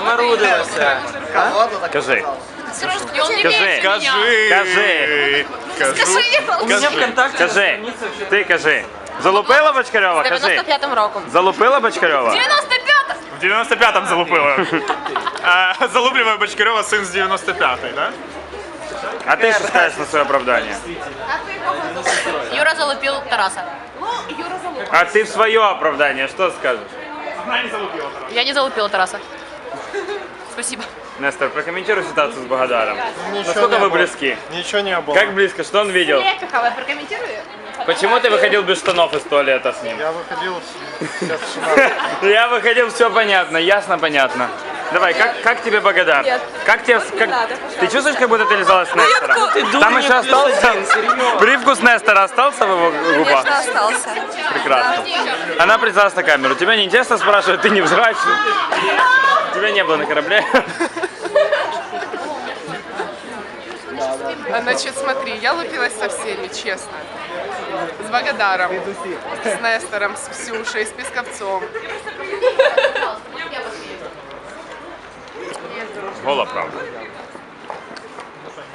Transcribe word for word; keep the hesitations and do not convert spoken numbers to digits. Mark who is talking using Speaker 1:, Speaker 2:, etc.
Speaker 1: Заморудилася.
Speaker 2: Кажи.
Speaker 3: Сережка, он не
Speaker 2: Скажи.
Speaker 3: верит в меня.
Speaker 2: Кажи.
Speaker 3: Скажи.
Speaker 1: У меня ВКонтакте
Speaker 2: Кажи. Ти кажи. Залупила Бочкарьова? Кажи.
Speaker 3: девяносто пятым роком.
Speaker 2: Залупила Бочкарьова?
Speaker 3: девяносто пятым!
Speaker 4: В девяносто пятом залупила. А, Залупливая Бочкарева, сын с девяносто пятой, да?
Speaker 2: А ти що скажеш на своє оправдання?
Speaker 3: Юра залупил Тараса.
Speaker 2: А ти в своє оправдання що скажеш?
Speaker 4: Она не залупила.
Speaker 3: Я не залупила Тараса. Спасибо.
Speaker 2: Нестор, прокомментируй ситуацию с Богодаром.
Speaker 5: Ничего
Speaker 2: Насколько
Speaker 5: не
Speaker 2: вы
Speaker 5: было.
Speaker 2: близки?
Speaker 5: Ничего не было.
Speaker 2: Как близко? Что он видел?
Speaker 3: Лепихова, прокомментирую.
Speaker 2: Почему ты выходил без штанов из туалета с ним?
Speaker 5: Я выходил сейчас сюда.
Speaker 2: Я выходил, все понятно, ясно, понятно. Давай, как, как тебе Богодар?
Speaker 6: Нет.
Speaker 2: Как тебе, как... Ты чувствуешь, как будто ты лизалась с Нестора? Там еще остался? Привкус Нестора остался в его губах?
Speaker 6: Конечно, остался.
Speaker 2: Прекрасно. Она призналась на камеру. Тебя не интересно спрашивать, ты не взрачный. Тебя не было на корабле.
Speaker 7: Значит, смотри, я лупилась со всеми, честно. С Богодаром, с Нестором, с Ксюшей, с Песковцом.
Speaker 2: Гола правда.